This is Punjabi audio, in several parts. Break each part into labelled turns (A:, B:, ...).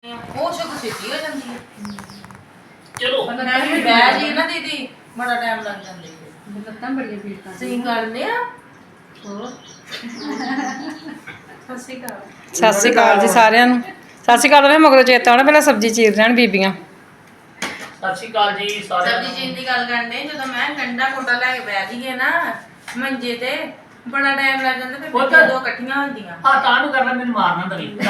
A: ਉਹ ਸ਼ੁਕ ਛੇਤੀ ਹੋ ਜਾਂਦੀ ਹੈ।
B: ਚਲੋ
A: ਬਹਿ ਜੀ ਨਾ ਦੀਦੀ ਬੜਾ ਟਾਈਮ ਲੱਗ ਜਾਂਦਾ ਹੈ।
C: ਲੱਤਾਂ ਬੜੀਆਂ ਪੀੜ ਕਰਦੀਆਂ।
A: ਸਹੀ ਕਰਦੇ ਆ ਹੋਰ ਸਤਿ
D: ਸ਼੍ਰੀ ਅਕਾਲ ਜੀ ਸਾਰਿਆਂ ਨੂੰ। ਸਤਿ ਸ਼੍ਰੀ ਅਕਾਲ। ਮੈਂ ਮਗਰੋਂ ਚੇਤਾ ਆਉਣਾ ਪਹਿਲਾਂ ਸਬਜ਼ੀ ਚੀਰ ਲੈਣ ਬੀਬੀਆਂ।
B: ਸਤਿ ਸ਼੍ਰੀ ਅਕਾਲ ਜੀ ਸਾਰਿਆਂ ਨੂੰ।
A: ਸਬਜ਼ੀ ਚੀਨ ਦੀ ਗੱਲ ਕਰਦੇ ਜਦੋਂ ਮੈਂ ਗੰਡਾ ਕੋਟਾ ਲੈ ਕੇ ਬਹਿ ਜੀਏ ਨਾ ਮੰਜੇ ਤੇ ਬੜਾ ਟਾਈਮ ਲੱਗ ਜਾਂਦਾ ਫਿਰ ਬੱਚੇ ਦੋ ਇਕੱਠੀਆਂ ਹੁੰਦੀਆਂ।
B: ਹਾਂ ਤਾਂ ਨੂੰ ਕਰਨਾ ਮੈਨੂੰ ਮਾਰਨਾ ਤਾਂ ਨਹੀਂ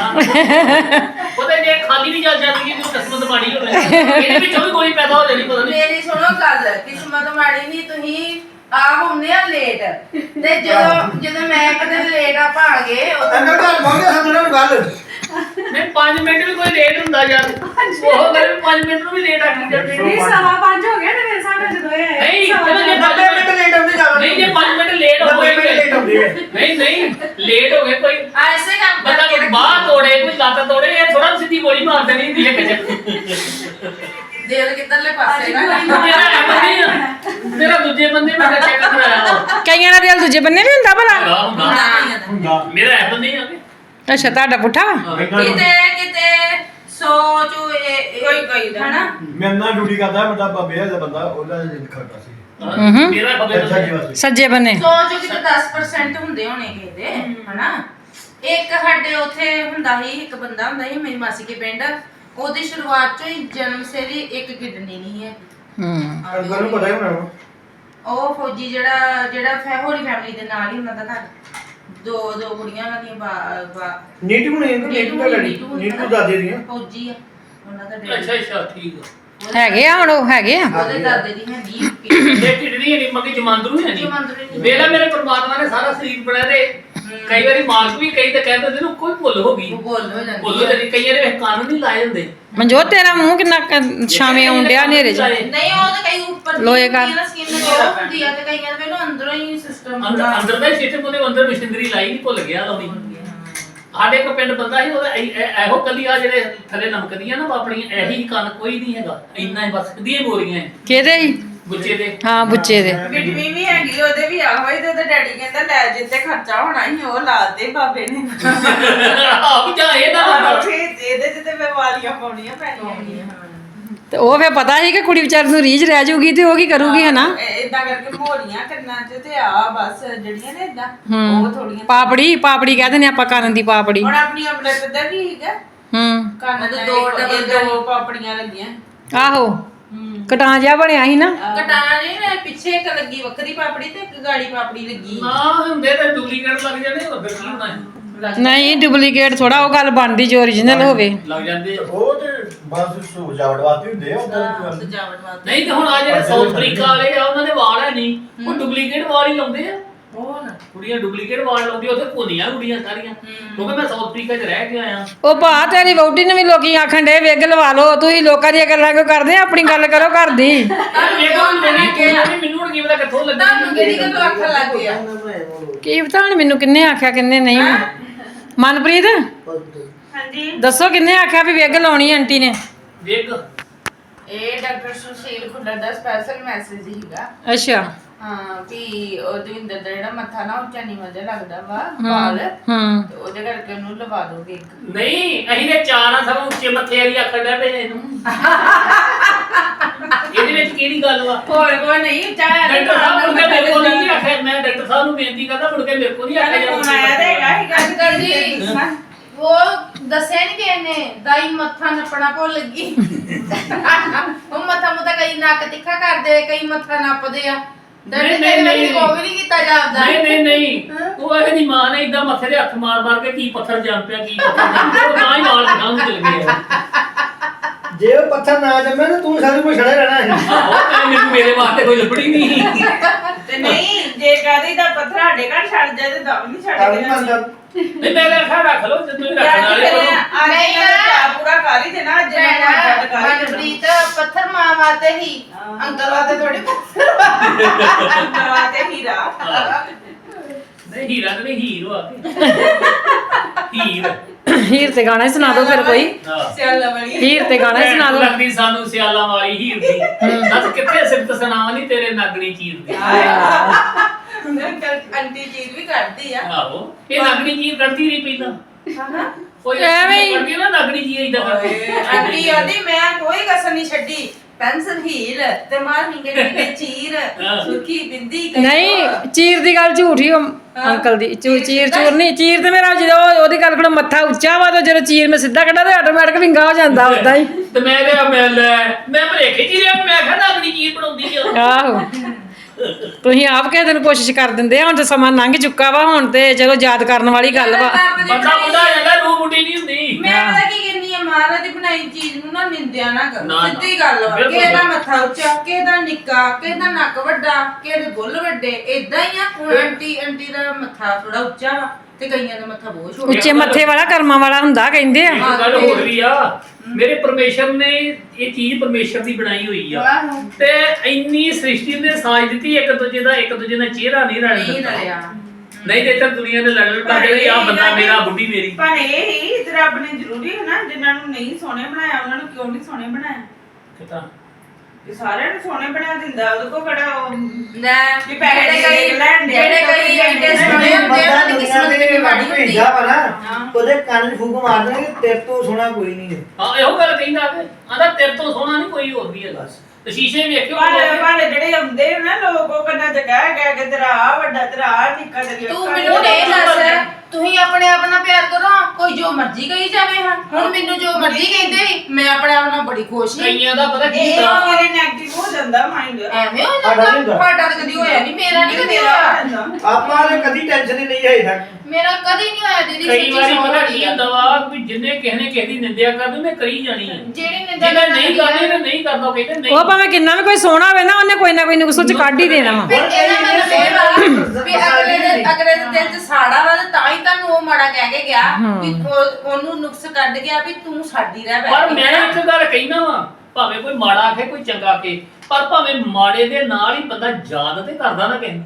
B: ਉਹਦੇ ਜੇ ਖਾਲੀ ਵੀ ਚੱਲ ਜਾਂਦੀ ਹੈ ਕਿਸਮਤ ਮਾੜੀ ਹੋਵੇ ਇਹਦੇ ਵਿੱਚੋਂ ਵੀ ਕੋਈ ਪੈਦਾ ਹੋ ਜਾਣੀ ਪਤਾ ਨਹੀਂ।
A: ਮੇਰੀ ਸੁਣੋ ਗੱਲ ਕਿਸਮਤ ਮਾੜੀ ਨਹੀਂ ਤੁਸੀਂ ਆਪ ਹੁੰਦੇ ਆ ਲੇਟ ਤੇ ਜਦੋਂ ਮੈਂ ਕਦੇ ਲੇਟ ਆ ਗਏ
E: ਅੰਦਰ ਘਰ ਮੰਗੇ ਸਮਝਣਾ ਗੱਲ
B: ਨਹੀਂ 5 ਮਿੰਟ ਵੀ ਕੋਈ ਲੇਟ ਹੁੰਦਾ ਯਾਰ ਉਹ ਗੱਲ 5 ਮਿੰਟ ਨੂੰ ਵੀ ਲੇਟ ਆ ਗਈ ਜਾਂਦੀ
C: ਨਹੀਂ 5:15 ਹੋ ਗਿਆ ਮੇਰੇ ਹਿਸਾਬ ਨਾਲ ਜਦੋਂ ਇਹ
B: ਨਹੀਂ ਚਲੋ ਜੇ
E: 90 ਮਿੰਟ ਲੇਟ ਹੁੰਦੇ ਜਾਣਾ
B: ਨਹੀਂ ਜੇ 5 ਮਿੰਟ ਲੇਟ ਹੋ
E: 90 ਮਿੰਟ ਲੇਟ ਹੁੰਦੇ
B: ਨਹੀਂ ਨਹੀਂ ਲੇਟ ਹੋ ਗਏ ਕੋਈ
A: ਐਸੇ ਕੰਮ
B: ਬੰਦਾ ਕੋਈ ਬਾਹ ਤੋੜੇ ਕੋਈ ਲੱਤ ਤੋੜੇ ਇਹ ਥੋੜਾ ਸਿੱਧੀ ਗੋਲੀ ਮਾਰ ਦੇਣੀ ਹੁੰਦੀ ਹੈ ਕਿਸੇ
A: ਦਿਲ ਕਿੱਧਰਲੇ ਪਾਸੇ ਨਾ
B: ਮੇਰਾ ਦੂਜੇ ਬੰਦੇ ਮੈਂ ਚੈੱਕ ਕਰਾਇਆ
D: ਕਈਆਂ ਦਾ ਦਿਲ ਦੂਜੇ ਬੰਨੇ ਵੀ ਹੁੰਦਾ ਭਲਾ।
E: ਹੁੰਦਾ
B: ਮੇਰਾ ਐ ਬੰਦੇ ਆ
D: ਅੱਛਾ ਤੁਹਾਡਾ ਪੁੱਠਾ ਵਾ?
A: ਕਿਤੇ ਸੋਚ ਕੋਈ ਹਨਾ
E: ਮੈਂ ਨਾ ਡਿਊਟੀ ਕਰਦਾ ਮੇਰਾ ਬਾਬੇ ਦਾ ਬੰਦਾ ਉਹਦਾ ਖੜਦਾ ਸੀ
B: ਮੇਰਾ ਖਬਰ
D: ਸੱਜੇ ਬੰਨੇ
A: ਸੋਚ ਕਿਤੇ 10% ਹੁੰਦੇ ਹੋਣੇ ਕਿਤੇ ਹਨਾ। ਇੱਕ ਸਾਡੇ ਉੱਥੇ ਹੁੰਦਾ ਸੀ ਇੱਕ ਬੰਦਾ ਹੁੰਦਾ ਸੀ ਮੇਰੀ ਮਾਸੀ ਕੇ ਪਿੰਡ ਉਹਦੀ ਸ਼ੁਰੂਆਤ ਚੋਂ ਹੀ ਜਨਮ ਸੇ ਦੀ ਇੱਕ ਕਿਡਨੀ ਨਹੀਂ ਹੈ।
E: ਅੰਗਲ ਨੂੰ ਪਤਾ ਹੀ ਹੋਣਾ
A: ਉਹ ਫੌਜੀ ਜਿਹੜਾ ਹੋਰੀ ਫੈਮਿਲੀ ਦੇ ਨਾਲ ਹੀ ਉਹਨਾਂ ਦਾ ਘਰ ਦੋ ਕੁੜੀਆਂ ਉਹਨਾਂ ਦੀਆਂ
E: ਨੀਟੂ ਨੇ ਨੀਟੂ ਦਾ ਲੜੀ ਨੀਟੂ ਦਾਦੇ ਦੀਆਂ
A: ਫੌਜੀ ਆ ਉਹਨਾਂ ਦਾ
B: ਅੱਛਾ
A: ਡੈਡੀ
B: ਅੱਛਾ ਠੀਕ ਆ
D: ਹੈਗੇ ਆ ਹੁਣ ਉਹ ਹੈਗੇ ਆ।
A: ਉਹਦੇ ਦਾਦੇ ਦੀ ਹੈਗੀ
B: ਇਹ ਕਿਡਨੀ ਨਹੀਂ ਮੱਕੀ ਜਮਾਂਦਰੂ ਹੈ ਨਹੀਂ ਵੇਲਾ ਮੇਰੇ ਪਰਮਾਤਮਾ ਨੇ ਸਾਰਾ ਸਰੀਰ ਬਣਾਇਆ ਤੇ ਕਈ ਵਾਰੀ ਮਾਲਕ ਵੀ ਕਈ ਤਾਂ ਕਹਿੰਦੇ ਨੇ ਕੋਈ ਭੁੱਲ ਹੋ ਗਈ
A: ਉਹ ਬੋਲ ਹੋ ਜਾਂਦੀ
B: ਭੁੱਲ ਹੋ ਜਾਂਦੀ ਕਈਆਂ ਦੇ ਕਾਨੂੰਨ ਨਹੀਂ ਲਾਏ ਹੁੰਦੇ
D: ਮਨਜੋਤ ਤੇਰਾ ਮੂੰਹ ਕਿੰਨਾ ਛਾਵੇਂ ਆਉਣ ਡਿਆ ਹਨੇਰੇ 'ਚ।
A: ਨਹੀਂ ਉਹ ਤਾਂ ਕਈ ਉੱਪਰ
D: ਲੋਏ ਕਰ।
A: ਸਕਿਨ ਜੋ ਹੁੰਦੀ ਆ ਤੇ ਕਈਆਂ ਦੇ ਮੈਨੂੰ ਅੰਦਰੋਂ ਹੀ ਸਿਸਟਮ
B: ਅੰਦਰ ਦਾ ਸਿਸਟਮ ਉਹਦੇ ਅੰਦਰ ਮਸ਼ੀਨਰੀ ਲਾਈ ਨਹੀਂ ਭੁੱਲ ਗਿਆ ਲਾਉਣੀ ਸਾਡੇ ਇੱਕ ਪਿੰਡ ਬੰਦਾ ਸੀ ਉਹਦਾ ਇਹੋ ਕੱਲੀ ਆ ਜਿਹੜੇ ਥੱਲੇ ਨਮਕਦੀਆਂ ਨਾ ਆਪਣੀਆਂ ਇਹੀ ਕੰਨ ਕੋਈ ਨਹੀਂ ਹੈਗਾ ਇੰਨਾ ਹੀ ਬਸ ਕਦੀਆਂ ਬੋਰੀਆਂ
D: ਕਿਹਦੇ ਹੀ?
B: ਗੁੱਚੇ ਦੇ
D: ਹਾਂ ਬੁੱਚੇ ਦੇ।
F: ਬਿਟਵੀ ਵੀ ਹੈਗੀ ਉਹਦੇ ਵੀ ਆਹੋ ਹੀ ਤੇ ਉਹਦਾ ਡੈਡੀ ਕਹਿੰਦਾ ਲੈ ਜਿੱਤੇ ਖਰਚਾ ਹੋਣਾ ਸੀ ਉਹ ਲਾ ਦੇ ਬਾਬੇ ਨੇ
B: ਆਪ ਜਾ ਇਹਦਾ
F: ਇਹਦੇ ਚ ਤੇ ਮੈਂ ਵਾਲੀਆਂ ਪਾਉਣੀਆਂ ਪੈਣੀਆਂ
D: ਤੇ ਉਹ ਫੇ ਪਤਾ ਸੀ ਕਿ ਕੁੜੀ ਵਿਚਾਰੀ ਨੂੰ ਰੀਝ ਰਹਿ ਜਾਊਗੀ ਤੇ ਉਹ ਕੀ ਕਰੂਗੀ ਹਨਾ।
F: ਇਦਾਂ ਕਰਕੇ ਮੋੜੀਆਂ ਕੰਨਾਂ ਚ ਤੇ ਆ ਬਸ ਜਿਹੜੀਆਂ ਨੇ ਇਦਾਂ ਉਹ ਥੋੜੀਆਂ
D: ਪਾਪੜੀ ਕਹਿੰਦੇ ਨੇ ਆਪਾਂ ਕਰਨ ਦੀ ਪਾਪੜੀ।
F: ਹੁਣ ਆਪਣੀ ਅਮਲਤ ਦਾ ਵੀ ਹੈਗਾ ਕੰਨ
A: ਉਹਦੇ
F: ਦੇ ਦੋ ਪਾਪੜੀਆਂ ਲੱਗੀਆਂ
D: ਆਹੋ ਕਟਾਂ ਜਿਹਾ ਬਣਿਆ ਸੀ ਨਾ।
A: ਕਟਾਣੇ ਨੇ ਪਿੱਛੇ ਇੱਕ ਲੱਗੀ ਵੱਖਰੀ ਪਾਪੜੀ ਤੇ ਇੱਕ ਗਾੜੀ ਪਾਪੜੀ ਲੱਗੀ
B: ਨਾ ਹੁੰਦੇ ਤੇ ਡੁਪਲੀਕੇਟ ਲੱਗ ਜਾਂਦੇ ਹੋਰ ਫਿਰ ਕੀ ਹੋਣਾ ਹੈ
D: ਨਹੀਂ ਡੁਪਲੀਕੇਟ ਥੋੜਾ ਉਹ ਗੱਲ ਬਣਦੀ ਜੋ ਓਰੀਜਨਲ ਹੋਵੇ।
B: ਲੱਗ ਜਾਂਦੇ
E: ਉਹ ਤੇ ਬਸ ਸਜਾਵਟ ਵਾਸਤੇ ਹੁੰਦੇ ਆ
A: ਸਜਾਵਟ ਵਾਸਤੇ
B: ਨਹੀਂ ਤੇ ਹੁਣ ਆ ਜਿਹੜੇ ਸਾਊਥ ਅਫਰੀਕਾ ਵਾਲੇ ਆ ਉਹਨਾਂ ਦੇ ਵਾਲ ਹੈ ਨਹੀਂ ਉਹ ਡੁਪਲੀਕੇਟ ਵਾਲ ਹੀ ਲਾਉਂਦੇ ਆ
A: ਉਹ ਨਾ
B: ਕੁੜੀਆਂ ਡੁਪਲੀਕੇਟ ਵਾਲ ਲਾਉਂਦੀਆਂ ਉੱਥੇ ਭੁੰਨੀਆਂ ਕੁੜੀਆਂ ਸਾਰੀਆਂ ਕਿਉਂਕਿ ਮੈਂ ਸਾਊਥ ਅਫਰੀਕਾ 'ਚ ਰਹਿ ਕੇ ਆਇਆ
D: ਉਹ ਭਾ ਤੇਰੀ ਵਹੁਟੀ ਨੂੰ ਵੀ ਲੋਕੀ ਆਖਣ ਡੇ ਵਿਗ ਲਵਾ ਲਓ ਤੁਸੀਂ ਲੋਕਾਂ ਦੀਆਂ ਗੱਲਾਂ ਕਿਉਂ ਕਰਦੇ ਆਪਣੀ ਗੱਲ ਕਰੋ ਘਰ ਦੀ।
B: ਮੈਨੂੰ ਹੁਣ ਕੀ ਪਤਾ ਕਿੱਥੋਂ ਲੱਗੀ
A: ਤੁਹਾਨੂੰ ਕਿਹੜੀ ਗੱਲੋਂ ਅੱਖਾਂ ਲੱਗ ਗਿਆ
D: ਕੀ ਪਤਾ ਹੁਣ ਮੈਨੂੰ ਕਿੰਨੇ ਆਖਿਆ ਕਿੰਨੇ ਨਹੀਂ। ਮਨਪ੍ਰੀਤ
F: ਹਾਂਜੀ
D: ਦੱਸੋ ਕਿੰਨੇ ਆਖਿਆ ਵੀ ਵਿਗ ਲਾਉਣੀ ਆਂਟੀ ਨੇ?
B: ਵਿਗ
A: ਇਹ ਡਾਕਟਰ ਸੁਸ਼ੀਲ ਖੁੱਲਰ ਦਾ ਸਪੈਸ਼ਲ ਮੈਸੇਜ ਹੀਗਾ।
D: ਅੱਛਾ
A: ਹਾਂ ਵੀ ਉਹ ਦਵਿੰਦਰ ਦਾ ਜਿਹੜਾ ਮੱਥਾ ਨਾ ਉੱਚਾ ਨੀਵਾਂ ਜਿਹਾ ਲੱਗਦਾ ਵਾ ਵਾਲ ਤੇ ਉਹਦੇ ਕਰਕੇ ਉਹਨੂੰ ਲਵਾ ਦੋਗੇ ਇੱਕ।
B: ਨਹੀਂ ਅਸੀਂ ਤੇ ਚਾਰ ਆ ਸਭ ਉੱਚੇ ਮੱਥੇ ਵਾਲੀ ਆਖਣ ਡਿਆ ਪਏ ਇਹਨੂੰ ਇਹਦੇ ਵਿੱਚ ਕਿਹੜੀ ਗੱਲ ਵਾ
A: ਹੋਰ ਕੋਈ ਨਹੀਂ ਚਾਹ
B: ਡਾਕਟਰ ਸਾਹਿਬ ਮੁੜ ਕੇ ਮੇਰੇ ਕੋਲ ਨਹੀਂ ਆਖਿਆ ਮੈਂ ਡਾਕਟਰ ਸਾਹਿਬ ਨੂੰ ਬੇਨਤੀ ਕਰਦਾ ਮੁੜ ਕੇ ਮੇਰੇ ਕੋਲ ਨਹੀਂ ਆਖਿਆ
F: ਫੋਨ ਆਇਆ ਤੇ ਹੈਗਾ
A: ਅੰਕਲ ਜੀ ਉਹ ਦੱਸਿਆ ਨਹੀਂ ਕਿ ਇਹਨੇ ਦਾਈ ਮੱਥਾ ਨੱਪਣਾ ਭੁੱਲ ਗਈ। ਉਹ ਮੱਥਾ ਮੁੱਥਾ ਕਈ ਨੱਕ ਤਿੱਖਾ ਕਰਦੇ ਕਈ ਮੱਥਾ ਨੱਪਦੇ ਆ
B: ਨਹੀਂ
A: ਉਹ ਵੀ ਨਹੀਂ ਕੀਤਾ ਜਾਂਦਾ।
B: ਨਹੀਂ ਉਹ ਇਹਦੀ ਮਾਂ ਨੇ ਇਦਾਂ ਮੱਥੇ ਦੇ ਹੱਥ ਮਾਰ ਕੇ ਕੀ ਪੱਥਰ ਜੰਮ ਪਿਆ ਕੀ ਪੱਥਰ ਜੰਮ ਪਿਆ ਉਹ ਤਾਂ ਹੀ ਵਾਲ ਗਾਂ ਚਲ ਗਏ
E: ਜੇ ਉਹ ਪੱਥਰ ਨਾ ਜੰਮੇ ਤਾਂ ਤੂੰ ਸਾਰੇ ਕੋਲ ਛੜੇ ਰਹਿਣਾ ਹੈ
B: ਮੈਨੂੰ ਮੇਰੇ ਵਾਸਤੇ ਕੋਈ ਲੱਭੜੀ ਨਹੀਂ
F: ਤੇ ਨਹੀਂ ਜੇ ਕਹਦੇ ਦਾ ਪੱਥਰ ਸਾਡੇ ਘਰ ਛੱਡ ਜਾਏ ਤੇ ਦਮ ਨਹੀਂ ਛੱਡਦੇ
B: ਨਹੀਂ ਮੈਂ ਰੱਖਾ ਰੱਖ ਲਓ ਜੇ ਤੁਸੀਂ ਰੱਖਣ ਵਾਲੇ ਹੋ
F: ਨਹੀਂ ਨਾ ਪੂਰਾ ਕਰ ਹੀ ਦੇਣਾ ਅੱਜ ਮੈਂ ਛੱਡ ਕਰ ਹੀ
A: ਮਨਪ੍ਰੀਤ ਪੱਥਰ ਮਾਂ ਵਾਤੇ ਹੀ ਅੰਕਲ ਵਾਤੇ ਥੋੜੀ
F: ਦੇਣਾ ਤੇ ਹੀਰਾ
B: ਨਹੀਂ ਹੀਰਾ ਤੇ ਨਹੀਂ ਹੀਰ ਵਾ ਹੀਰ
D: ਹੀਰ ਤੇ ਗਾਣਾ ਹੀ ਸੁਣਾ ਦਿਓ ਫਿਰ ਕੋਈ।
F: ਸਿਆਲਾ ਵਾਲੀ
D: ਹੀਰ ਤੇ ਗਾਣਾ ਹੀ ਸੁਣਾ ਦਿਓ।
B: ਲੱਗਦੀ ਸਾਨੂੰ ਸਿਆਲਾਂ ਵਾਲੀ ਹੀਰ ਦੀ ਦੱਸ ਕਿੱਥੇ ਸਿਫਤ ਸੁਣਾਵਾਂ ਨਹੀਂ ਤੇਰੇ ਨਾਗਣੀ ਚੀਰ ਦੀ
F: ਆਂਟੀ ਚੀਜ਼ ਵੀ ਕਰਦੀ ਆ
B: ਆਹੋ ਇਹ ਨਾਗਣੀ ਚੀਰ ਕਰਦੀ ਰਹੀ ਪਹਿਲਾਂ ਕੋਈ
D: ਐਵੇਂ ਹੀ।
B: ਕਰਦੀ ਨਾ ਲੱਗਣੀ ਜੀ ਇਦਾਂ ਕਰਦੀ
F: ਆਂਟੀ ਆਂਟੀ ਮੈਂ ਕੋਈ ਕਸਰ ਨਹੀਂ ਛੱਡੀ ਪੈਨਸਲ ਹੀਲ ਤੇ ਮਾਰ ਨਿੰਗੇ ਚੀਰ ਸੁਰਖੀ ਬਿੰਦੀ ਕਈ
D: ਨਹੀਂ ਚੀਰ ਦੀ ਗੱਲ ਝੂਠੀ ਅੰਕਲ ਦੀ ਚੀਰ ਨਹੀਂ ਚੀਰ ਤੇ ਮੇਰਾ ਜਦੋਂ ਉਹਦੀ ਗੱਲ ਕੋਲ ਮੱਥਾ ਉੱਚਾ ਵਾ ਤੇ ਜਦੋਂ ਚੀਰ ਮੈਂ ਸਿੱਧਾ ਕੱਢਾ ਤੇ ਆਟੋਮੈਟਿਕ ਵਿੰਗਾ ਹੋ ਜਾਂਦਾ ਉਦਾਂ ਹੀ
B: ਤੇ ਮੈਂ ਕਿਹਾ ਮੈਂ ਭਰੇਖੇ ਜੀ ਰਿਹਾ ਮੈਂ ਕਿਹਾ ਲੱਗਣੀ ਚੀਜ਼ ਬਣਾਉਂਦੀ ਆ
D: ਆਹੋ ਤੁਸੀਂ ਆਪ ਕਿਸੇ ਦਿਨ ਕੋਸ਼ਿਸ਼ ਕਰ ਦਿੰਦੇ ਆ ਹੁਣ ਤੇ ਸਮਾਂ ਲੰਘ ਚੁੱਕਾ ਵਾ ਹੁਣ ਤੇ ਚਲੋ ਯਾਦ ਕਰਨ ਵਾਲੀ ਗੱਲ ਵਾ
B: ਬੰਦਾ ਮੁੰਡਾ ਜਾਂਦਾ ਰੂਹ ਮੁੰਡੀ ਨਹੀਂ ਹੁੰਦੀ
F: ਮੈਂ ਪਤਾ ਕੀ ਕਹਿੰਦੀ ਆ ਮਹਾਰਾਜ ਦੀ ਬਣਾਈ ਚੀਜ਼ ਨੂੰ ਨਾ ਨਿੰਦਿਆ ਨਾ ਕਰੋ
B: ਨਾ, ਨਾ।
F: ਸਿੱਧੀ ਗੱਲ ਵਾ
B: ਬਿਲਕੁਲ।
F: ਕਿਸੇ ਦਾ ਮੱਥਾ ਉੱਚਾ ਕਿਸੇ ਦਾ ਨਿੱਕਾ ਕਿਸੇ ਦਾ ਨੱਕ ਵੱਡਾ ਕਿਸੇ ਦੇ ਬੁੱਲ ਵੱਡੇ ਇਦਾਂ ਹੀ ਆ ਹੁਣ ਆਂਟੀ ਦਾ ਮੱਥਾ ਥੋੜਾ ਉੱਚਾ ਵਾ ਤੇ ਕਈਆਂ ਦਾ ਮੱਥਾ ਬਹੁਤ ਛੋਟਾ
D: ਉੱਚੇ ਮੱਥੇ ਵਾਲਾ ਕਰਮਾਂ ਵਾਲਾ ਹੁੰਦਾ ਕਹਿੰਦੇ ਆ
B: ਇੱਕ ਗੱਲ ਹੋਰ ਵੀ ਆ ਮੇਰੇ ਪਰਮੇਸ਼ਰ ਨੇ ਇਹ ਚੀਜ਼ ਪਰਮੇਸ਼ਰ ਦੀ ਬਣਾਈ ਹੋਈ ਆ
F: ਆਹੋ।
B: ਤੇ ਇੰਨੀ ਸ੍ਰਿਸ਼ਟੀ ਨੇ ਸਾਜ ਦਿੱਤੀ ਇੱਕ ਦੂਜੇ ਦਾ ਚਿਹਰਾ ਨਹੀਂ ਰਲ
F: ਨਹੀਂ
B: ਦਿੱਤਾ
F: ਰਲਿਆ
B: ਨਹੀਂ ਤੇ ਇੱਥੇ ਦੁਨੀਆ ਦੇ ਲੜਨ ਕਰਦੇ ਆ ਬੰਦਾ ਮੇਰਾ ਬੁੱਢੀ ਮੇਰੀ
F: ਪਰ ਇਹ ਹੀ ਤੇ ਰੱਬ ਨੇ ਜ਼ਰੂਰੀ ਹੈ ਨਾ ਜਿਨ੍ਹਾਂ ਨੂੰ ਨਹੀਂ ਸੋਹਣੇ ਬਣਾਇਆ ਉਹਨਾਂ ਨੂੰ ਕਿਉਂ ਨਹੀਂ ਸੋਹਣੇ ਬਣਾਇਆ
B: ਕਿਤਾ
F: ਇਹ ਸਾਰਿਆਂ ਨੂੰ ਸੋਹਣੇ ਬਣਾ ਦਿੰਦਾ ਉਹਦੇ ਕੋ ਕਿਹੜਾ ਉਹ
A: ਲੈ
F: ਵੀ ਪੈਸੇ
A: ਜਿਹੜੇ
F: ਲੈਣ ਦੇ
A: ਜਿਹੜੇ ਕਈ ਐਡੇ ਸੋਹਣੇ ਹੁੰਦੇ ਆ, ਉਹਨਾਂ ਦੀ ਕਿਸਮਤ ਕਿੰਨੀ ਮਾੜੀ ਹੁੰਦੀ
E: ਭੇਜਾ
A: ਆ।
E: ਵਾ ਨਾ ਉਹਦੇ ਕੰਨ 'ਚ ਫੂਕ ਮਾਰ ਦੇਣਗੇ ਤੇਰੇ ਤੋਂ ਸੋਹਣਾ ਕੋਈ ਨਹੀਂ ਹੈ
B: ਹਾਂ ਇਹੋ ਗੱਲ ਕਹਿੰਦਾ ਕਿ ਆਂਦਾ ਤੇਰੇ ਤੋਂ ਸੋਹਣਾ ਨਹੀਂ ਕੋਈ ਹੋਰ ਵੀ ਹੈਗਾ ਤੇ ਸ਼ੀਸ਼ੇ ਵੇਖਿਓ
F: ਪਰ ਜਿਹੜੇ ਹੁੰਦੇ ਨਾ ਲੋਕ ਉਹ ਕੰਨਾਂ ਚ ਕਹਿ ਕੇ ਤੇਰਾ ਆ ਵੱਡਾ ਤੇਰਾ ਆ ਨਿੱਕਾ ਤੇਰੀ
A: ਤੂੰ ਮੈਨੂੰ ਇਹ ਦੱਸ ਤੁਸੀਂ ਆਪਣੇ ਆਪ ਨਾਲ ਪਿਆਰ ਕਰੋ ਕੋਈ ਜੋ ਮਰਜ਼ੀ ਕਹੀ ਜਾਵੇ ਹਾਂ ਹੁਣ ਮੈਨੂੰ ਜੋ ਮਰਜ਼ੀ ਕਹਿੰਦੇ ਸੀ ਮੈਂ ਆਪਣੇ ਆਪ ਨਾਲ ਬੜੀ ਖੁਸ਼ ਸੀ
B: ਕਈਆਂ ਦਾ ਪਤਾ ਕੀ
F: ਇਹ
B: ਹੁੰਦਾ
F: ਮੇਰੇ ਨੈਗੇਟਿਵ ਹੋ ਜਾਂਦਾ ਮਾਈਂਡ
A: ਐਵੇਂ ਹੋ
E: ਸਾਡਾ
A: ਜਾਂਦਾ
E: ਨਹੀਂ ਹੁੰਦਾ।
A: ਸਾਡਾ ਤਾਂ ਕਦੀ ਹੋਇਆ ਨਹੀਂ ਮੇਰਾ ਨਹੀਂ ਕਦੀ ਹੋਇਆ
E: ਆਪਾਂ ਨੇ ਕਦੀ ਟੈਨਸ਼ਨ ਹੀ ਨਹੀਂ ਹੈ ਤੱਕ
A: ਮੇਰਾ ਕਦੀ ਨਹੀਂ ਹੋਇਆ ਦੀਦੀ
B: ਕਈ
A: ਸੱਚੀ
B: ਵਾਰੀ
A: ਸੌਂ
B: ਪਤਾ
A: ਲੱਗੀ
B: ਕੀ
A: ਆ।
B: ਹੁੰਦਾ ਵਾ ਵੀ ਜਿੰਨੇ ਕਿਸੇ ਨੇ ਕਿਸੇ ਦੀ ਨਿੰਦਿਆ ਕਰਦੀ ਉਹਨੇ ਕਰੀ ਜਾਣੀ ਹੈ
A: ਜਿਹੜੀ ਨਿੰਦਾ
B: ਜਿਹਨੇ ਨਹੀਂ ਕਰਨੀ ਉਹਨੇ ਨਹੀਂ ਕਰਦਾ ਉਹ ਕਹਿੰਦੇ ਨਹੀਂ
D: ਉਹ ਭਾਵੇਂ ਕਿੰਨਾ ਵੀ ਕੋਈ ਸੋਹਣਾ ਹੋਵੇ ਨਾ ਉਹਨੇ ਕੋਈ ਨਾ ਕੋਈ ਨੁਕਸ ਚ ਕੱਢ ਹੀ ਦੇਣਾ ਵਾ
A: ਫਿਰ ਇਹਦਾ ਮਤਲਬ ਇਹ ਵਾ ਵੀ ਅਗਲੇ ਦੇ ਦਿਲ ਚ ਸਾੜਾ ਵਾ ਤੇ ਤਾਂ ਹੀ ਤੁਹਾਨੂੰ ਉਹ ਮਾੜਾ ਕਹਿ ਕੇ ਗਿਆ ਵੀ ਉਹਨੂੰ ਨੁਕਸ ਕੱਢ ਗਿਆ ਵੀ ਤੂੰ ਸਾਡੀ ਰਹਿ ਬੈ
B: ਪਰ ਮੈਂ ਇੱਕ ਗੱਲ ਕਹਿਣਾ ਵਾ ਭਾਵੇਂ ਕੋਈ ਮਾੜਾ ਆਖੇ ਕੋਈ ਚੰਗਾ ਆਖੇ ਪਰ ਭਾਵੇਂ ਮਾੜੇ ਦੇ ਨਾਲ ਹੀ ਬੰਦਾ ਯਾਦ ਤੇ ਕਰਦਾ ਨਾ ਕਿਸੇ ਨੂੰ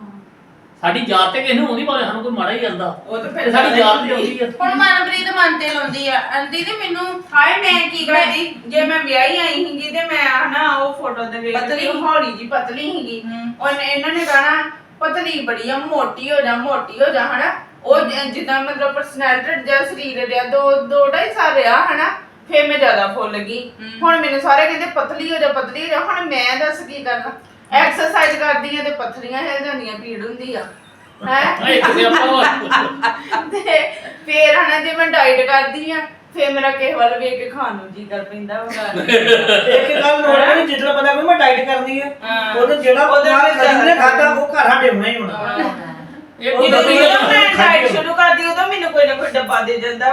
B: ਸਾਡੀ ਯਾਦ ਤੇ ਕਿਸੇ ਨੂੰ ਆਉਂਦੀ ਭਾਵੇਂ ਸਾਨੂੰ ਕੋਈ ਮਾੜਾ ਹੀ ਜਾਂਦਾ
F: ਉਹ ਤਾਂ
B: ਤੇ
F: ਫਿਰ
B: ਸਾਡੀ ਯਾਦ ਤੇ ਆਉਂਦੀ ਆ
A: ਹੁਣ ਮਨਪ੍ਰੀਤ ਮਨ ਤੇ ਲਾਉਂਦੀ ਆ ਆਂਦੀ ਤੇ ਮੈਨੂੰ
F: ਹਾਏ ਮੈਂ ਕੀ ਕਰਦੀ ਜੇ ਮੈਂ ਵਿਆਹੀ ਆਈ ਸੀਗੀ ਤੇ ਮੈਂ ਹਨਾ ਉਹ ਫੋਟੋ ਦੇ ਵੇਖ
A: ਪਤਲੀ?
F: ਕੇ ਹੌਲੀ ਜੀ ਪਤਲੀ ਸੀਗੀ ਉਹਨੇ ਇਹਨਾਂ ਨੇ ਕਹਣਾ ਪਤਲੀ ਬੜੀ ਆ ਮੋਟੀ ਹੋ ਜਾ ਹਨਾ ਉਹ ਜਿੱਦਾਂ ਮਤਲਬ ਪਰਸਨੈਲਿਟੀ ਜਾਂ ਸਰੀਰ ਦੇ ਦੋ 2.5 ਸਾਲ ਰਿਹਾ ਹਨਾ ਫੇਰ ਮੈਂ ਜ਼ਿਆਦਾ ਫੁੱਲ ਗਈ ਹੁਣ ਮੈਨੂੰ ਸਾਰੇ ਕਹਿੰਦੇ ਪਤਲੀ ਹੋ ਜਾ ਹੁਣ ਮੈਂ ਦੱਸ ਕੀ ਕਰਨਾ ਐਕਸਰਸਾਈਜ਼ ਕਰਦੀ ਆ ਤੇ ਪਥਰੀਆਂ ਹਿਲ ਜਾਂਦੀਆਂ ਪੀੜ ਹੁੰਦੀ ਆ ਹੈ
B: ਇੱਕ ਤੇ ਆਪਾਂ
F: ਤੇ ਫੇਰ ਹਨਾ ਜੇ ਮੈਂ ਡਾਈਟ ਕਰਦੀ ਆ ਫੇਰ ਮੇਰਾ ਕਿਸੇ ਵੱਲ ਵੇਖ ਕੇ ਖਾਣ ਨੂੰ ਜੀ ਕਰ ਪੈਂਦਾ ਵਾ
E: ਇੱਕ ਗੱਲ ਨੋਟ ਕਰੀ ਜਿੱਦਾਂ ਬੰਦਾ ਕੋਈ ਮੈਂ ਡਾਈਟ ਕਰਨੀ ਹੈ
F: ਹਾਂ।
E: ਉਹਨੇ ਜਿਹੜਾ
F: ਉਹਦੇ
E: ਬੰਦਾ
F: ਵਿੱਚ
E: ਕਦੀ ਨੇ ਖਾਦਾ ਉਹ ਘਰ ਸਾਡੇ ਹੋਣਾ ਹੀ ਹੋਣਾ
B: ਇਹ
E: ਉਹ
F: ਜਦੋਂ
B: ਕੁਦਰਤੀ
E: ਤਾਂ
F: ਮੈਂ ਡਾਈਟ ਸ਼ੁਰੂ ਕਰਦੀ ਉਦੋਂ ਮੈਨੂੰ ਕੋਈ ਨਾ ਕੋਈ ਡੱਬਾ ਦੇ ਜਾਂਦਾ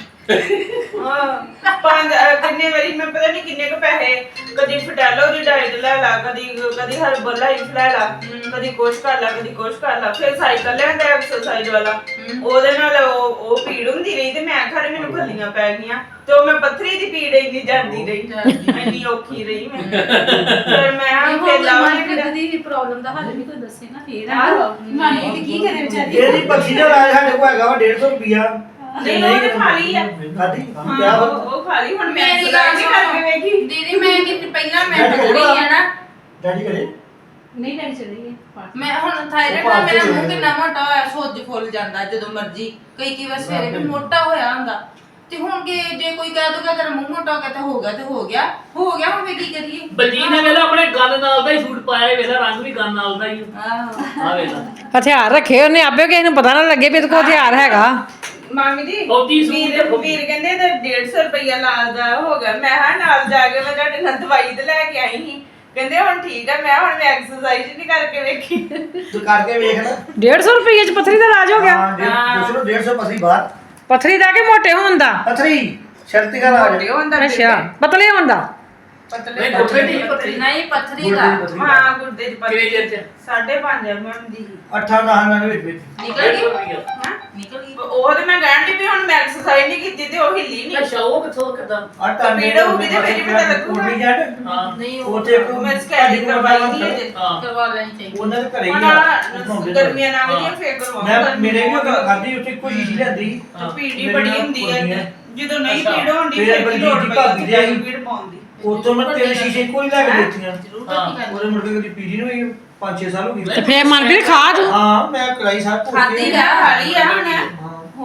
F: ਹਾਂ ਪੰਜ ਕਿੰਨੇ ਵਾਰੀ ਮੈਂ ਪਤਾ ਨਹੀਂ ਕਿੰਨੇ ਕੁ ਪੈਸੇ ਕਦੀ ਫਟੈਲੋ ਦੀ ਡਾਈਟ ਲੈ ਲਾ ਕਦੀ ਹਰਬਲ ਲਾਈਫ ਲੈ ਲਾ ਕਦੀ ਕੁਛ ਕਰ ਲਾ ਫਿਰ ਸਾਈਕਲ ਲੈਂਦਾ ਐਕਸਰਸਾਈਜ਼ ਵਾਲਾ ਉਹਦੇ ਨਾਲ ਉਹ ਪੀੜ ਹੁੰਦੀ ਰਹੀ ਤੇ ਮੈਂ ਘਰੇ ਮੈਨੂੰ ਖੱਲੀਆਂ ਪੈ ਗਈਆਂ ਤੇ ਉਹ ਮੈਂ ਪੱਥਰੀ ਦੀ ਪੀੜ ਇੰਨੀ ਜਾਂਦੀ ਰਹੀ ਇੰਨੀ ਔਖੀ ਰਹੀ ਮੈਂ ਫਿਰ ਮੈਂ ਫਿਰ ਲਾਵਾਂਗੀ
C: ਦੀ ਪ੍ਰੋਬਲਮ ਦਾ ਹੱਲ ਵੀ ਕੋਈ ਦੱਸੇ ਨਾ ਫੇਰ
F: ਆਹੋ।
C: ਨਾਨੀ ਤੇ ਕੀ ਕਰੇ ਵਿਚਾਰੀ
E: ਇਹਦੀ ਪੱਖੀ ਦਾ ਇਲਾਜ ਸਾਡੇ ਕੋਲ ਹੈਗਾ ਵਾ 150 ਰੁਪਿਆ
F: ਨਹੀਂ, ਉਹ ਤੇ ਖਾ ਲਈ ਆ।
E: ਖਾਦੀ
F: ਹਾਂ,
E: ਕਿਆ
F: ਉਹ ਖਾ ਲਈ ਹੁਣ ਮੈਂ
A: ਮੇਰੀ
F: ਸੁਧਾਰ
A: ਗੱਲ
F: ਨਹੀਂ ਕਰਕੇ ਵੇਖੀ
A: ਦੀਦੀ ਮੈਂ ਕਿ ਪਹਿਲਾਂ ਮੈਂ ਪਤਲੀ ਆ ਨਾ
E: ਡੈਡੀ ਕਰੇ
C: ਨਹੀਂ ਲੈ ਚਲੀ
A: ਮੈਂ ਹੁਣ ਥਾਇਰਾਇਡ ਨਾਲ ਮੇਰਾ ਮੂੰਹ ਕਿੰਨਾ ਮੋਟਾ ਹੋਇਆ ਸੁੱਜ ਫੁੱਲ ਜਾਂਦਾ ਜਦੋਂ ਮਰਜੀ ਕਈ ਵਾਰ ਸਵੇਰੇ ਵੀ ਮੋਟਾ ਹੋਇਆ ਹੁੰਦਾ ਤੇ ਹੁਣ ਜੇ ਕੋਈ ਕਹਿ ਦੂਗਾ ਤੇਰਾ ਮੂੰਹ ਮੋਟਾ ਹੋ ਗਿਆ ਤੇ ਹੋ ਗਿਆ ਹੁਣ ਫੇ ਕੀ ਕਰੀਏ
B: ਬਲਜੀਤ ਨੇ ਵੇਲਾ ਆਪਣੇ ਗੱਲ ਨਾਲ ਦਾ ਹੀ ਸੂਟ ਪਾਇਆ ਵੇਲਾ ਰੰਗ ਵੀ ਗੱਲ ਨਾਲ ਦਾ ਹੀ
A: ਆਹੋ
B: ਆ ਵੇਲਾ
D: ਹਥਿਆਰ ਰੱਖੇ ਉਹਨੇ ਆਪੇ ਕਿਸੇ ਨੂੰ ਪਤਾ ਨਾ ਲੱਗੇ ਵੀ ਇਹਦੇ ਕੋਲ ਹਥਿਆਰ ਹੈਗਾ
F: ਮਾਮੀ ਜੀ
B: ਫੌਜੀ ਸੂਟ
F: ਵੀਰ ਕਹਿੰਦੇ ਤੇ 150 ਰੁਪਇਆ ਨਾਲ ਦਾ ਹੋ ਗਿਆ ਮੈਂ ਹਾਂ ਨਾਲ ਜਾ ਕੇ ਮੈਂ ਤੁਹਾਡੇ ਨਾਲ ਦਵਾਈ ਤੇ ਲੈ ਕੇ ਆਈ ਸੀ ਕਹਿੰਦੇ ਹੁਣ ਠੀਕ ਆ ਮੈਂ ਐਕਸਰਸਾਈਜ਼ ਨਹੀਂ ਕਰਕੇ ਵੇਖੀ
E: ਤੂੰ ਕਰਕੇ ਵੇਖ ਨਾ
D: 150 ਰੁਪਏ ਚ ਪਥਰੀ ਦਾ ਇਲਾਜ ਹੋ ਗਿਆ
E: ਹਾਂ ਦੂਸਰੋ 150 ਪਸੀ ਬਾਹਰ
D: ਪਥਰੀ ਦਾ ਕਿ ਮੋਟੇ ਹੋਣ ਦਾ
E: ਪਥਰੀ ਸ਼ਰਤੀ ਦਾ ਇਲਾਜ
F: ਮੋਟੇ ਹੁੰਦਾ
D: ਅੱਛਾ ਪਤਲੇ ਹੋਣ ਦਾ
F: ਪਤਲੇ
B: ਨਹੀਂ ਗੁੱਠੇ ਦੀ ਪਤਲੀ
A: ਨਹੀਂ ਪੱਥਰੀ
E: ਗੁਰਦੇ
A: ਦਾ
E: ਦੀ ਪੱਥਰੀ
F: ਹਾਂ ਗੁਰਦੇ ਦੀ ਪਤਲੀ
B: ਕਿਵੇਂ ਚਿਰ ਚ
F: 5.5 mm ਦੀ
E: 8-10 ਦੇ ਵਿੱਚ
A: ਨਿਕਲ ਗਈ
F: ਹਾਂ
A: ਨਿਕਲ ਗਈ
F: ਉਹ ਤੇ ਮੈਂ ਕਹਿਣ ਦੀ ਵੀ ਹੁਣ ਮੈਂ ਐਕਸਰਸਾਈਜ਼ ਨਹੀਂ ਕੀਤੀ ਤੇ ਉਹ ਹਿੱਲੀ ਨਹੀਂ
B: ਅੱਛਾ ਉਹ ਕਿੱਥੋਂ ਕਿਦਾਂ
E: ਆਟਾ
F: ਪੀੜ ਹੋਊਗੀ ਤੇ ਫਿਰ ਹੀ ਪਤਾ ਲੱਗੂਗਾ।
B: ਹਾਂ
A: ਨਹੀਂ
E: ਉਹ ਤੇ ਇੱਕ
F: ਮੈਂ ਸਕੈਨਿੰਗ ਕਰਵਾਈ ਨਹੀਂ ਅਜੇ
B: ਹਾਂ
A: ਕਰਵਾ ਲੈਣੀ ਚਾਹੀਦੀ
E: ਉਹਨਾਂ ਦੇ ਘਰੇ ਹੀ
F: ਹੁਣ
E: ਆ
F: ਗਰਮੀਆਂ ਨਾਲ ਗਈਆਂ ਫੇਰ ਕਰਵਾਉਂਗਾ
E: ਮੈਂ ਮੇਰੇ ਵੀ ਖਾਦੀ ਉੱਥੇ ਕੋਈ ਚੀਜ਼ ਲੈਂਦੀ
F: ਪੀੜੀ ਬੜੀ ਹੁੰਦੀ ਹੈ ਜਦੋਂ ਨਹੀਂ ਪੀੜ ਹੁੰਦੀ
E: ਫਿਰ
F: ਫਿਰ
E: ਬਲਜੀਤ
F: ਲੋੜ
E: ਦੀ
F: ਪਈ
E: ਭਾਬੀ ਦੇ ਆਈ।
F: ਪੀੜ ਪਾਉਂਦੀ
E: ਉਤੋਂ ਮੈਂ ਤੇਰੇ ਸ਼ੀਸ਼ੇ ਕੋਈ ਲੈ ਕੇ ਦਿੱਤੀਆਂ
A: ਜ਼ਰੂਰ
B: ਹਾਂ।
A: ਕੀ
E: ਉਹਦੇ ਮੁੜ ਕੇ ਕਦੀ ਪੀੜੀ ਨੂੰ 5-6 ਸਾਲ ਹੋ
D: ਤੇ
E: ਗਏ
D: ਫੇਰ ਮਨਪ੍ਰੀਤ ਖਾ ਤੂੰ
E: ਹਾਂ ਮੈਂ ਕਰਾਈ ਸਾਰ
A: ਖਾਧੀ ਆ,
F: ਖਾਲੀ ਆ ਹੁਣ
E: ਹਾਂ
F: ਹੋ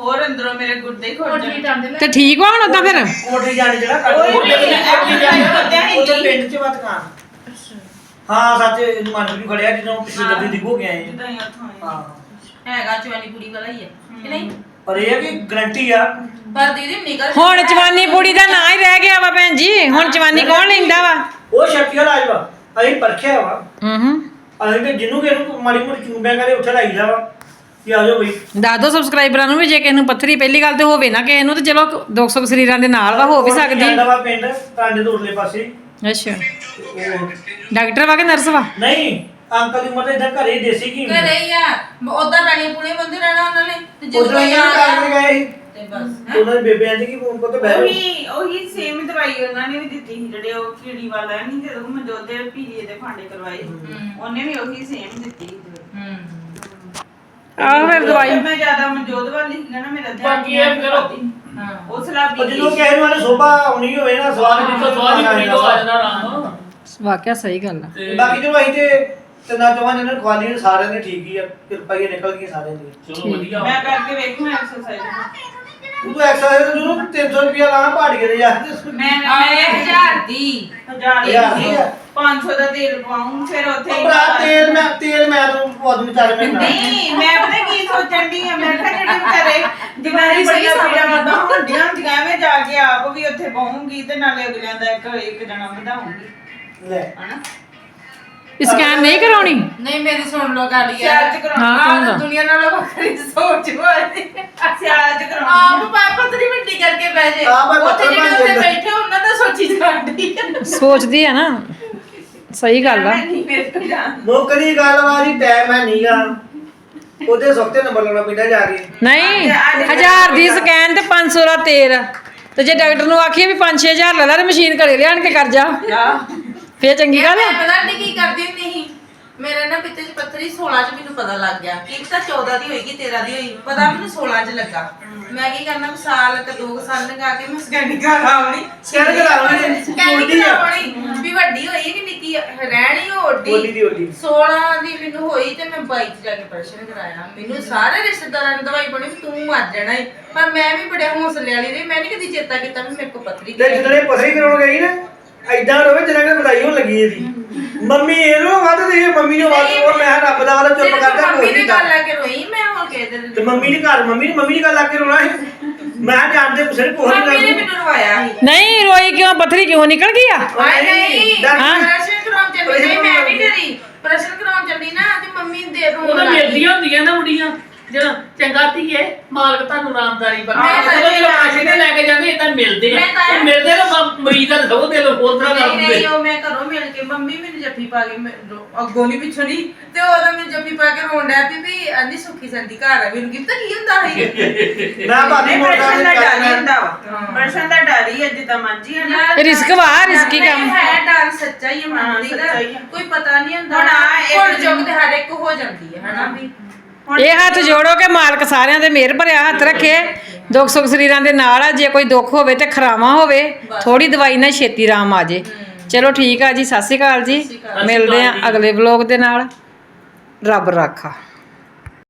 F: ਹੋਰ ਅੰਦਰੋਂ ਮੇਰੇ ਗੁਰਦੇ ਹੀ ਖੋਲ
C: ਕੋਠੀ
F: ਜਾਣ
C: ਟਾਂਦੇ ਲੈ
D: ਤੇ ਠੀਕ ਵਾ ਹੁਣ ਉਦਾਂ ਫਿਰ
E: ਕੋਠੀ ਜਾਣ ਜਿਹੜਾ ਕੱਢ
F: ਉਹ
B: ਉਹ ਲੇਕਿਨ
E: ਉਧਰ ਪਿੰਡ 'ਚ ਵਾ ਦੁਕਾਨ ਹਾਂ ਸੱਚ ਮਨ ਵੀ ਖੜਿਆ ਜਦੋਂ ਪਿਛਲੇ ਗੱਡੀ ਦਿਖੋ ਕੇ ਆਏ
F: ਜਿੱਦਾਂ ਹੀ ਉੱਥੋਂ ਆਏ।
E: ਹਾਂ
A: ਹੈਗਾ ਚਵਾਨੀ ਪੂਰੀ ਵਾਲਾ ਹੀ ਹੈ ਕਿ ਨਹੀਂ
E: ਪਰ ਇਹ ਹੈ ਕਿ ਗਰੰਟੀ ਆ
A: ਪਰ ਦੀਦੀ ਨਿਕਲ
D: ਹੁਣ ਜਵਾਨੀ ਬੁੜੀ ਦਾ ਨਾਂ ਹੀ ਰਹਿ ਗਿਆ ਵਾ ਭੈਣ ਜੀ ਹੁਣ ਜਵਾਨੀ ਕੌਣ ਲੈਂਦਾ ਵਾ
E: ਉਹ ਸ਼ਕਤੀਆ ਰਾਜ ਵਾ ਅਸੀਂ ਪਰਖਿਆ ਵਾ
D: ਹੂੰ
E: ਅਸੀਂ ਤੇ ਜਿਹਨੂੰ ਕਿਹਨੂੰ ਮਾੜੀ ਮੋਟੀ ਚੂੰਬਿਆ ਕਰੇ ਉੱਥੇ ਲਾਈਦਾ ਵਾ ਕਿ ਆ ਜਾਓ ਬਈ
D: ਦੱਸ ਦੋ ਸਬਸਕ੍ਰਾਈਬਰਾਂ ਨੂੰ ਵੀ ਜੇ ਕਿਸੇ ਨੂੰ ਪੱਥਰੀ ਪਹਿਲੀ ਗੱਲ ਤੇ ਹੋਵੇ ਨਾ ਕਿਸੇ ਨੂੰ ਤੇ ਚਲੋ 200 ਸਰੀਰਾਂ ਦੇ ਨਾਲ ਵਾ ਹੋ ਵੀ ਸਕਦੀ
E: ਜਾਂਦਾ ਵਾ ਪਿੰਡ ਟਾਂਡੇ ਤੋਂ ਉਰਲੇ ਪਾਸੇ
D: ਅੱਛਾ
E: ਉਹ
D: ਡਾਕਟਰ ਵਾ ਕਿ ਨਰਸ ਵਾ
E: ਨਹੀਂ ਅੰਕਲ ਦੀ ਉਮਰ ਤਾਂ ਇਦਾਂ ਘਰੇ ਹੀ ਦੇਸੀ ਕੀ
A: ਘਰੇ ਹੀ ਆ ਉਦਾਂ ਪੈਣੀ ਪੂਣੇ ਬੰਦੇ ਰਹਿਣਾ ਉਹਨਾਂ ਨੇ ਤੇ ਜਦੋਂ
E: ਉਧਰ
A: ਕੋਈ
E: ਇਹਨਾਂ
A: ਆ
E: ਨੂੰ
A: ਗਿਆ
E: ਗਏ ਸੀ
A: ਤੇ ਬਸ
E: ਉਹਨਾਂ ਦੇ ਬੇਬੇ ਆਂਦੀ ਕਿ ਫੋਨ ਕੋ ਤੇ ਬਹਿ
F: ਉਹੀ ਸੇਮ ਦਵਾਈ ਉਹਨਾਂ ਨੇ ਵੀ ਦਿੱਤੀ ਸੀ ਜਿਹੜੇ ਉਹ ਕੀੜੀ ਵਾਲਾ ਨਹੀਂ ਜਦੋਂ ਮਨਜੋਤ ਦੇ ਪੀਲੀਏ ਦੇ ਫਾਂਡੇ ਕਰਵਾਏ ਉਹਨੇ ਵੀ ਉਹੀ ਸੇਮ ਦਿੱਤੀ ਸੀ ਦਵਾਈ।
D: ਆਹੋ ਫਿਰ ਦਵਾਈ
F: ਮੈਂ ਜ਼ਿਆਦਾ ਮਨਜੋਤ ਵਾਲੀ ਸੀਗਾ ਨਾ ਮੇਰਾ ਧਿਆਨ
B: ਬਾਕੀ ਇਹ ਕਰੋ।
A: ਹਾਂ
F: ਉਹ ਸਲਾਹ
E: ਉਹ ਜਦੋਂ ਕਿਸੇ ਨੂੰ ਆਨੇ ਸੋਭਾ ਆਉਣੀ ਹੋਵੇ ਨਾ ਸਵਾਦ
B: ਜਿੱਥੋਂ ਸਵਾਦ ਹੀ ਪੂਰੀ ਤੋਂ ਆ ਜਾਂਦਾ ਆਰਾਮ
D: ਵਾਕਿਆ ਸਹੀ ਗੱਲ ਆ
B: ਤੇ
E: ਬਾਕੀ ਜੋ ਅਸੀਂ ਤੇ ਤਿੰਨਾਂ ਚੋਹਾਂ ਜਿਹਨਾਂ ਨੂੰ ਖਵਾਲੀ ਸਾਰਿਆਂ ਨੇ ਠੀਕ ਹੀ ਆ ਕਿਰਪਾ ਹੀ ਨਿਕਲ ਗਈ ਸਾਰਿਆਂ ਦੀ
B: ਚਲੋ ਵਧੀਆ
F: ਮੈਂ ਕਰਕੇ ਵੇਖੂ ਐਕਸਰਸਾਈਜ਼
E: ਤੂੰ ਐਕਸਰਸਾਈਜ਼ ਨੂੰ 300 ਰੁਪਿਆ ਲਾਣਾ ਪਹਾੜ ਕੇ ਜਾ
F: ਮੈਂ
A: ਆਏ 1000 ਦੀ
F: 1000 ਦੀ 500 ਦਾ ਤੇਲ ਪਾਉਂ ਫਿਰ ਉੱਥੇ ਹੀ
E: ਭਰਾ ਤੇਲ ਮੈਂ ਤੋਂ ਆਦਮੀ ਚਾਰ ਮਹੀਨਾ
F: ਨਹੀਂ ਮੈਂ ਪਤਾ ਕੀ ਸੋਚਣ ਦੀ ਆ ਮੈਂ ਕਿਹਾ ਜਿਹੜੇ ਵਿਚਾਰੇ ਜਿਵਾਰੀ ਬੜੀਆਂ ਪੀੜਾਂ ਮਤਾਂ ਹੁੰਦੀਆਂ ਹੁੰਦੀਆਂ ਐਵੇਂ ਜਾ ਕੇ ਆਪ ਵੀ ਉੱਥੇ ਪਾਉਂਗੀ ਤੇ ਨਾਲੇ ਅਗਲਿਆਂ ਦਾ ਇੱਕ ਜਣਾ ਵਧਾਉਂਗੀ
E: ਲੈ
F: ਹਨਾ
D: ਸਕੈਨ ਨਹੀਂ ਕਰਾਉਣੀ
A: ਨਹੀਂ ਮੇਰੀ ਸੁਣ ਲੋ ਗੱਲ ਯਾਰ
F: ਸਿਆਲ ਚ ਕਰਾਉਣੀ
D: ਹਾਂ, ਕੌਣ ਦਾ?
A: ਦੁਨੀਆ ਨਾਲੋਂ ਵੱਖਰੀ ਸੋਚ ਹੋਈ
F: ਸਿਆਲ ਚ
A: ਆਪ
F: ਕਰਾਉਣੀ
A: ਪਤਰੀ ਮਿੱਟੀ ਕਰਕੇ ਬਹਿ ਜੇ
E: ਆਪ ਹੀ
A: ਉੱਥੇ
E: ਪੱਥਰ
A: ਜਿਹੜੇ
E: ਬਣ
A: ਉੱਤੇ
E: ਜਾਂਦਾ।
A: ਬੈਠੇ ਉਹਨਾਂ ਦਾ ਸੋਚੀ ਜਾਂਦੀ
D: ਸੋਚਦੀ ਆ ਨਾ ਸਹੀ ਗੱਲ ਆ
F: ਨਹੀਂ ਮੇਰੇ ਤੋਂ ਜਾਣ
E: ਨੌਕਰੀ ਗੱਲਬਾਤ ਟਾਈਮ ਹੈ ਨਹੀਂਗਾ ਉਹਦੇ ਸਖਤੇ ਨੰਬਰ ਲਾਉਣਾ ਪੈਂਦਾ ਜਾ ਕੇ
D: ਨਹੀਂ 1000 ਦੀ ਸਕੈਨ ਤੇ 500 ਦਾ ਤੇਲ ਤੇ ਜੇ ਡਾਕਟਰ ਨੂੰ ਆਖੀਏ ਵੀ 5-6000 ਲੈ ਲੈ ਤੇ ਮਸ਼ੀਨ ਘਰੇ ਲਿਆਣ ਕੇ ਕਰ ਜਾ ਫੇਰ ਚੰਗੀ ਗੱਲ ਆ
A: ਮੈਂ ਪਤਾ ਨਹੀਂ ਕੀ ਕਰਦੀ ਹੁੰਦੀ ਸੀ ਮੇਰੇ ਨਾ ਪਿੱਤੇ 'ਚ ਪੱਥਰੀ 16 'ਚ ਮੈਨੂੰ ਪਤਾ ਲੱਗ ਗਿਆ ਕਿ ਤਾਂ 14 ਦੀ ਹੋਏਗੀ 13 ਦੀ ਹੋਈ ਪਤਾ ਮੈਨੂੰ 16 'ਚ ਲੱਗਾ ਮੈਂ ਕੀ ਕਰਨਾ ਵੀ ਸਾਲ ਤੇ 2 ਸਾਲ ਲਗਾ ਕੇ ਮੈਂ ਸਕੈਨਿੰਗ ਕਰਾਉਣੀ
E: ਸਕੈਨ ਕਰਾਉਣੀ
A: ਸਕੈਨਿੰਗ
E: ਓਡੀ ਆ
A: ਕਰਾਉਣੀ ਵੀ ਵੱਡੀ ਹੋਈ ਕਿ ਨਿੱਕੀ ਰਹਿਣੀ ਓਡੀ
E: ਓਡੀ ਦੀ ਓਡੀ
A: 16 ਦੀ ਮੈਨੂੰ ਹੋਈ ਤੇ ਮੈਂ 22 'ਚ ਜਾ ਕੇ ਪ੍ਰਸ਼ਨ ਕਰਾਇਆ ਮੈਨੂੰ ਸਾਰੇ ਰਿਸ਼ਤੇਦਾਰਾਂ ਨੇ ਦਵਾਈ ਬਣੀ ਵੀ ਤੂੰ ਮਰ ਜਾਣਾ ਈ ਪਰ ਮੈਂ ਵੀ ਬੜੇ ਹੌਸਲੇ ਵਾਲੀ ਰਹੀ ਮੈਂ ਨਹੀਂ ਕਦੀ ਚੇਤਾ ਕੀਤਾ ਵੀ ਮੇਰੇ ਕੋਲ ਪੱਥਰੀ
E: ਤੇ ਜਦੋਂ ਇਹ ਪਥਰੀ ਕਰਾਉਣ ਗਈ ਨਾ ਐਦਾਂ ਰੋਵੇ ਜਿਵੇਂ ਕਿ ਵਧਾਈ ਹੋਣ ਲੱਗੀ ਇਹਦੀ ਮੰਮੀ ਇਹਨੂੰ ਵੱਧ ਦੇ ਮੰਮੀ ਨੂੰ ਵੱਧ ਉਹ ਮੈਂ ਰੱਬ ਦਾ ਵਾਲਾ ਚੁੱਪ ਕਰਦਾ
A: ਮੰਮੀ
E: ਕੋਈ
A: ਨੇ
E: ਨਹੀਂ
A: ਗੱਲ
E: ਕਰ
A: ਲਾ ਕੇ ਰੋਈ ਮੈਂ ਹੁਣ ਕਹਿ ਦੇ
E: ਤੇ ਮੰਮੀ ਨੇ ਘਰ ਮੰਮੀ ਦੀ ਗੱਲ ਲਾ ਕੇ ਰੋਣਾ ਸੀ ਮੈਂ ਜਾਣਦੇ ਕਿਸੇ ਨੇ ਕੋਹਰ
A: ਮੰਮੀ ਨੇ
E: ਨਹੀਂ
A: ਮੈਨੂੰ ਰਵਾਇਆ ਸੀ
D: ਨਹੀਂ ਰੋਈ ਕਿਉਂ ਪੱਥਰੀ ਕਿਉਂ ਨਿਕਲ ਗਈ ਆ
A: ਹਾਏ ਨਹੀਂ
E: ਹਾਂ।
A: ਪ੍ਰਸ਼ਨ ਕਰਾਉਣ ਚੱਲੀ ਨਹੀਂ ਮੈਂ ਨਹੀਂ ਡਰੀ ਪ੍ਰਸ਼ਨ ਕਰਾਉਣ ਚੱਲੀ ਨਾ ਤੇ ਮੰਮੀ ਦੇ ਰੋਣ
B: ਉਹਨਾਂ
A: ਲੱਗ ਗਈ
B: ਮਿਲਦੀਆਂ ਹੁੰਦੀਆਂ ਨਾ ਮੁੰਡੀਆਂ ਜਦੋਂ ਚੰਗਾ ਧੀਏ ਮਾਲਕ ਤੁਹਾਨੂੰ ਰਾਮਦਾਰੀ ਬਖਸ਼ੇ
A: ਮੈਂ ਤਾਂ
B: ਜਦੋਂ ਪੈਸੇ ਤੇ ਲੈ ਕੇ ਜਾਂਦੇ ਇਦਾਂ ਮਿਲਦੇ ਆ
A: ਮੈਂ ਤਾਂ-
B: ਉਹ ਮਿਲਦੇ ਤਾਂ ਮਰੀਜ਼ ਦਾ ਸਭ ਦੇ ਲੋ ਹੋਰ ਤਰ੍ਹਾਂ ਕਰ
A: ਨਹੀਂ
B: ਦਿੰਦੇ
A: ਨਹੀਂ ਉਹ ਮੈਂ ਘਰੋਂ ਮਿਲ ਕੇ ਮੰਮੀ ਮੈਨੂੰ ਜੱਫੀ ਪਾ ਕੇ ਅੱਗੋਂ ਨਹੀਂ ਪਿੱਛੋਂ ਨਹੀਂ ਤੇ ਉਹਦਾ ਮੈਨੂੰ ਜੱਫੀ ਪਾ ਕੇ ਰੋਣ ਡਿਆ ਵੀ ਆਂਦੀ ਸੁੱਖੀ ਸੰਦੀ ਘਰ ਆ ਮੈਨੂੰ ਕਿਤਾ ਕੀ ਹੁੰਦਾ ਸੀ
E: ਮੈਂ ਭਾਬੀ
F: ਨਹੀਂ
E: ਮੋਟਾ
F: ਪ੍ਰਸ਼ਨ ਦਾ ਡਰ ਹੀ
E: ਨਹੀਂ
F: ਹੁੰਦਾ ਵਾ ਪ੍ਰਸ਼ਨ ਦਾ ਡਰ ਹੀ ਅੱਜ ਤਾਂ ਮਰਜੀ ਹੈ ਨਾ
D: ਰਿਸਕ ਵਾ ਰਿਸਕੀ ਕੰਮ
A: ਹੈ ਡਰ ਸੱਚਾ ਹੀ ਹੈ ਮੰਨਦੀ ਦਾ
F: ਸੱਚਾ ਹੀ ਆ।
A: ਕੋਈ ਪਤਾ ਨਹੀਂ ਹੁੰਦਾ
F: ਹੁਣ ਆ ਇੱਕ
A: ਹੁਣ ਜੁਗ ਤੇ ਹਰ ਇੱਕ ਹੋ ਜਾਂਦੀ ਹੈ ਹਨਾ ਵੀ
D: ਇਹ ਹੱਥ ਜੋੜੋ ਕਿ ਮਾਲਕ ਸਾਰਿਆਂ ਦੇ ਮਿਹਰ ਭਰਿਆ ਹੱਥ ਰੱਖੇ ਦੁੱਖ ਸੁੱਖ ਸਰੀਰਾਂ ਦੇ ਨਾਲ ਆ ਜੇ ਕੋਈ ਦੁੱਖ ਹੋਵੇ ਤੇ ਖਰਾਵਾ ਹੋਵੇ ਥੋੜੀ ਦਵਾਈ ਨਾਲ ਛੇਤੀ ਆਰਾਮ ਆ ਜੇ ਚਲੋ ਠੀਕ ਆ ਜੀ ਸਤਿ ਸ਼੍ਰੀ ਅਕਾਲ ਜੀ ਮਿਲਦੇ ਆ ਅਗਲੇ ਵਲੋਗ ਦੇ ਨਾਲ ਰੱਬ ਰਾਖਾ